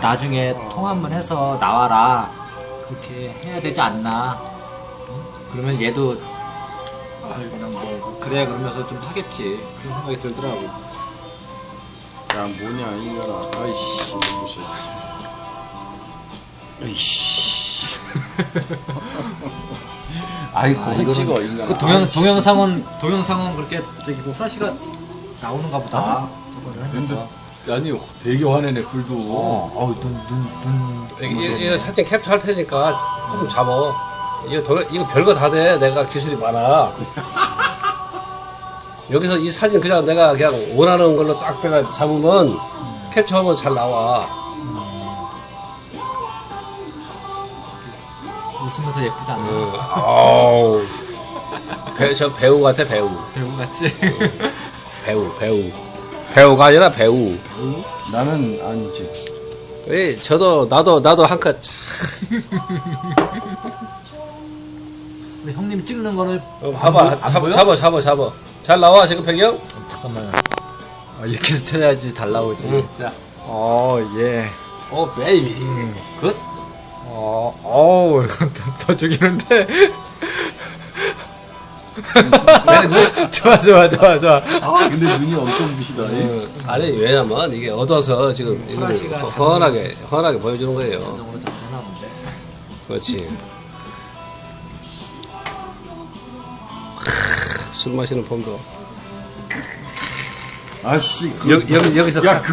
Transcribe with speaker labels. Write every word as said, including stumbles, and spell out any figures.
Speaker 1: 나중에
Speaker 2: 어.
Speaker 1: 통화 한번 해서 나와라. 그렇게 해야 되지 않나. 응? 그러면 얘도 아, 그냥 뭐 그래 그러면서 좀 하겠지. 그런 생각이 들더라고.
Speaker 2: 야 뭐냐 이거라. 아이씨 이것이. 아이씨. 아이
Speaker 1: 아,
Speaker 2: 그거
Speaker 1: 이거는
Speaker 2: 찍어 인간.
Speaker 1: 그 동영 동영상은 동영상은 그렇게 저기 뭐 플래시가 나오는가 보다. 저거를 하면서.
Speaker 2: 아니 되게 화내네 불도.
Speaker 1: 어, 어우 눈눈눈
Speaker 3: 이거, 이거 사진 캡처할 테니까 조금 잡어. 이거 도, 이거 별거 다 돼. 내가 기술이 많아. 여기서 이 사진 그냥 내가 그냥 원하는 걸로 딱 내가 잡으면 캡처하면 잘 나와.
Speaker 1: 웃으면 더 예쁘지 않나?
Speaker 3: 응. 아우. 배, 저 배우 같아 배우.
Speaker 1: 배우 같지?
Speaker 3: 배우 배우. 배우가 아니라 배우.
Speaker 2: 나는 아니지.
Speaker 3: 왜 저도 나도 나도 한 컷.
Speaker 1: 근데 형님 찍는 거를
Speaker 3: 어, 봐봐
Speaker 1: 안, 보- 안
Speaker 3: 잡아,
Speaker 1: 보여?
Speaker 3: 잡아 잡아 잡아. 잘 나와 지금 배경?
Speaker 1: 잠깐만. 아, 이렇게 쳐야지 잘 나오지.
Speaker 3: 응.
Speaker 1: 자, 어, 예.
Speaker 3: 어 베이비. 굿.
Speaker 1: 어, 어우, 더, 더 죽이는데. 좋아, 좋아, 좋아, 좋아.
Speaker 2: 아 근데 눈이 엄청 부시다.
Speaker 3: 어, 아니 왜냐면 이게 얻어서 지금 이거를
Speaker 1: 플래시가
Speaker 3: 허-
Speaker 1: 자동-
Speaker 3: 허하게 허하게 보여주는 거예요.
Speaker 1: 자동으로 잘 하나 본데.
Speaker 3: 그렇지. 크, 술 마시는 폼도.
Speaker 2: 아씨.
Speaker 3: 여기 여기 여기서
Speaker 2: 야,